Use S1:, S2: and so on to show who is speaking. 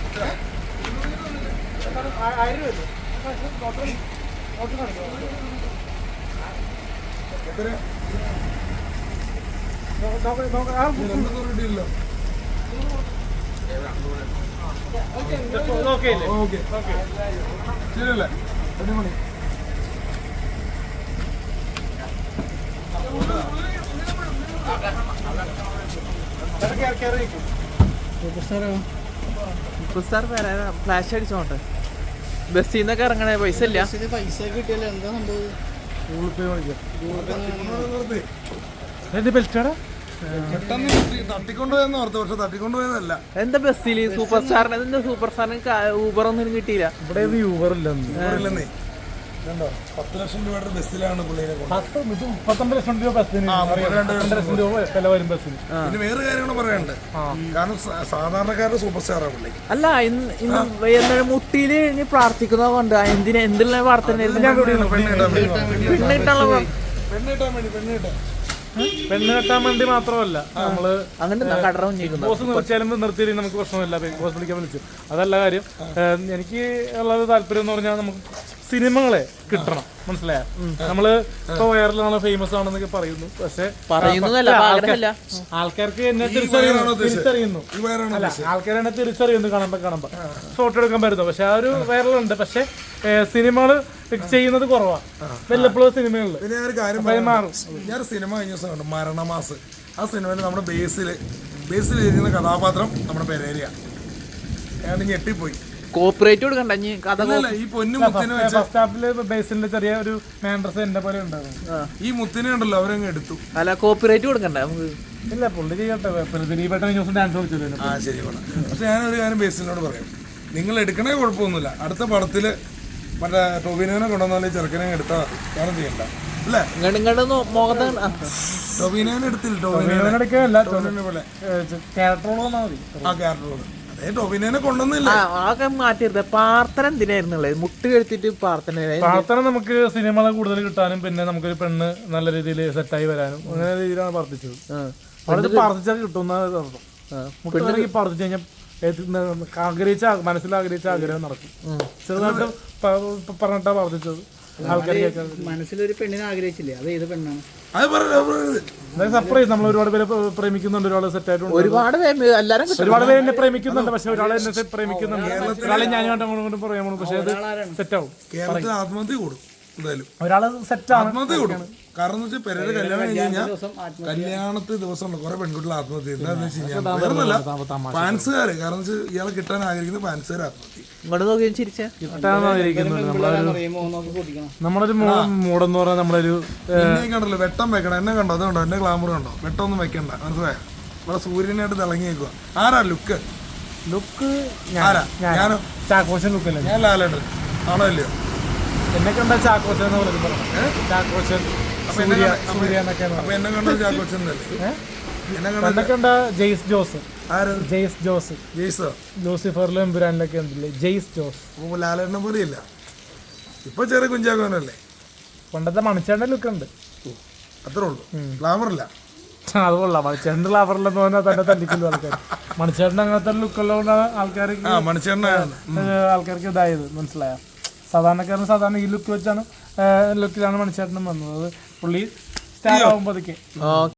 S1: ശരിയല്ലേ? അടിപൊളി.
S2: ഫ്ലാഷ് അടിച്ചോട്ടെ. ബസ്സിൽ നിന്നൊക്കെ ഇറങ്ങണേ, പൈസ ഇല്ല.
S3: പൈസ കിട്ടിയല്ലോ, എന്താ സംഭവം?
S1: തട്ടിക്കൊണ്ടുപോയെന്ന് ഓർത്തു, പക്ഷെ തട്ടിക്കൊണ്ടുപോയതല്ല.
S2: എന്താ ബസ്സിൽ സൂപ്പർ സ്റ്റാറിന് ഊബർ ഒന്നും കിട്ടിയില്ല.
S1: ഇവിടെ ഊബർ ഇല്ലെന്നേ. 10 ലക്ഷം രൂപയുടെ ബസ്സിലാണ് പുള്ളിനെ 32 ലക്ഷം രൂപ ബസ്സിന്. 2 ലക്ഷം രൂപ വില വരും ബസ്സിന്. പിന്നെ വേറെ കാര്യങ്ങൾ പറയാനുണ്ട്. കാരണം സാധാരണക്കാരുടെ സൂപ്പർ സ്റ്റാറാണ് പുള്ളി.
S2: അല്ല, ഇന്ന് മുട്ടിയില് പ്രാർത്ഥിക്കുന്നത് കൊണ്ട് എന്തിനുള്ള പ്രാർത്ഥന?
S1: പെണ്ണ് കെട്ടാൻ വേണ്ടി മാത്രമല്ല, നമ്മള് നിർത്തിയില്ലെങ്കിൽ നമുക്ക് പ്രശ്നമില്ല, ബോസ് വിളിക്കാൻ വിളിച്ചു. അതല്ല കാര്യം. എനിക്ക് ഉള്ളത് താല്പര്യം എന്ന് പറഞ്ഞാൽ നമുക്ക് സിനിമകളെ കിട്ടണം, മനസ്സിലായ? നമ്മള് ഇപ്പൊ വൈറലാണ്, ഫേമസ് ആണെന്നൊക്കെ പറയുന്നു, പക്ഷെ ആൾക്കാർക്ക് എന്നെ തിരിച്ചറിയുന്നു. ആൾക്കാർ എന്നെ തിരിച്ചറിയുന്നു കാണുമ്പോ ഫോട്ടോ എടുക്കാൻ പറ്റുന്നു. പക്ഷെ ആ ഒരു വൈറലുണ്ട്. പക്ഷെ സിനിമകള് ചെയ്യുന്നത് കുറവാണ്, വല്ലപ്പോഴും സിനിമകളിൽ. ഞാൻ സിനിമ കഴിഞ്ഞ ദിവസം കണ്ടു, മരണമാസ്. ആ സിനിമയിൽ നമ്മുടെ ബേസിലിരിക്കുന്ന കഥാപാത്രം നമ്മുടെ പെരേരയാണ്. ഞാൻ ഞെട്ടിപ്പോയി.
S2: കോപ്പറേറ്റ് കൊടുക്കണ്ട.
S1: ഈ പൊന്നുമുത്തിനെ ഫസ്റ്റ് ഹാഫില് ബേസിലെ ചെറിയ ഒരു മാൻഡ്രസ് എന്റെ പോലെ ഉണ്ടായിരുന്നു. ഈ മുത്തിനെ ഉണ്ടല്ലോ അവരങ്ങ് എടുത്തു.
S2: അല്ല, കോപ്പറേറ്റ് കൊടുക്കണ്ട നമുക്ക്.
S1: ഇല്ല, പുള്ളി ചെയ്യട്ടെ. ഡാൻസ് കളിച്ചല്ലോ. ആ ശരി. പക്ഷെ ഞാനൊരു കാര്യം ബേസിനോട് പറയാം, നിങ്ങൾ എടുക്കണേ കുഴപ്പമൊന്നുമില്ല. അടുത്ത പടത്തില് മറ്റേ ടൊവിനോനെ കൊണ്ടുവന്നാലും ചെറുക്കനെ എടുത്താൽ കാരണം ചെയ്യണ്ട അല്ലേ? ടൊവിനോനെ എടുത്തില്ല, ടൊവിനോനെ എടുക്കാനല്ല, ടൊവിനോനെ പോലെ ക്യാരക്ടറോളം മതി. ആ ക്യാരക്ടറോളം ടൊവിനോനെ കൊണ്ടുവന്നില്ല.
S2: മാറ്റിയത് പ്രാർത്ഥന എന്തിനായിരുന്നുള്ളത്? മുട്ട് കെടുത്തിട്ട് പ്രാർത്ഥന
S1: നമുക്ക് സിനിമകളെ കൂടുതൽ കിട്ടാനും പിന്നെ നമുക്കൊരു പെണ്ണ് നല്ല രീതിയിൽ സെറ്റായി വരാനും അങ്ങനെ രീതിയിലാണ് പ്രാർത്ഥിച്ചത്. അവിടെ പ്രാർത്ഥിച്ചാൽ കിട്ടുന്ന മുട്ടിലേക്ക് പ്രാർത്ഥിച്ചു കഴിഞ്ഞാൽ മനസ്സിലാഗ്രഹിച്ച ആഗ്രഹം നടക്കും. ചെറുതായിട്ട് പറഞ്ഞിട്ടാ പ്രാർത്ഥിച്ചത്.
S3: മനസ്സിലൊരു പെണ്ണിനെ ആഗ്രഹിച്ചില്ലേ? അത് ഏത് പെണ്ണാണ്?
S1: സർപ്രൈസ്. നമ്മൾ ഒരുപാട് പേര് പ്രേമിക്കുന്നുണ്ട്, ഒരാൾ സെറ്റ് ആയിട്ടുണ്ട്, ഒരുപാട് പേര് എന്നെ പ്രേമിക്കുന്നുണ്ട്. പക്ഷെ ഒരാളെ എന്നെ പ്രേമിക്കുന്നുണ്ട്, ഒരാളെ ഞാൻ കൊണ്ടും പറയാമോ. പക്ഷെ അത് സെറ്റ് ആവും. കേരളത്തിൽ ആത്മഹത്യ കൂടും എന്തായാലും. ഒരാള് സെറ്റ് ആത്മഹത്യ കൂടും. കാരണം എന്ന് വെച്ചാൽ പെരേര കല്യാണം കഴിഞ്ഞ് കഴിഞ്ഞാൽ കല്യാണത്തെ ദിവസം ഉണ്ട് കുറെ പെൺകുട്ടികൾ ആത്മഹത്യ. എന്താണെന്ന് വെച്ച് കഴിഞ്ഞാൽ ഫാൻസുകാര്, കാരണം വെച്ചാൽ ഇയാളെ കിട്ടാൻ ആഗ്രഹിക്കുന്ന ഫാൻസുകാർ ആത്മഹത്യ. നമ്മളൊരു മൂടെന്ന് പറഞ്ഞാൽ നമ്മളൊരു കണ്ടല്ലോ, വെട്ടം വെക്കണം. എന്നെ കണ്ടോ? അതുകൊണ്ടോ എന്നെ ഗ്ലാമർ കണ്ടോ? വെട്ടമൊന്നും വെക്കണ്ട, മനസ്സിലായോ? ഇവിടെ സൂര്യനായിട്ട് തിളങ്ങിയേക്കുക. ആരാ ലുക്ക്? ആരാ? ഞാനോ? ചാക്കോച്ചൻ ലുക്കല്ലേ? ഞാൻ ലാലേട്ടൻ ആണോ ഇല്ലയോ? എന്നെ കണ്ട ചാക്കോച്ചൻ എന്ന് പറയുന്നത് ചാക്കോച്ചൻ. അപ്പൊ എന്നെ കണ്ട ചാക്കോച്ചൻ അല്ലേ? എന്നെ കണ്ട ജെയ്സ് ജോസ്. ലൂസിഫറിലും എമ്പുരാനിലൊക്കെ ഉണ്ടല്ലേ ജെയ്സ് ജോസ്. ലാലേട്ടനെ പോലെ ഇല്ല, ഇപ്പൊ ചെറിയ കുഞ്ചാക്കോനല്ലേ. പണ്ടത്തെ മണിച്ചേട്ടൻ്റെ ലുക്ക് ഉണ്ട്, അത്രേ ഉള്ളൂ. ഗ്ലാമറില്ല. അത് കൊള്ളാം. മണിച്ചേട്ടൻ ഗ്ലാമറില്ലെന്ന് പറഞ്ഞാൽ തന്നെ തല്ലിക്കൊല്ലു ആൾക്കാർ. മണിച്ചേട്ടൻ അങ്ങനത്തെ ലുക്കുള്ളതുകൊണ്ടാണ് ആൾക്കാർക്ക് ഇതായത്, മനസ്സിലായ? സാധാരണ ഈ ലുക്കിലാണ് മണിച്ചേട്ടനും വന്നത്. അത് പുള്ളി സ്റ്റാർ ആകുമ്പോഴേക്ക്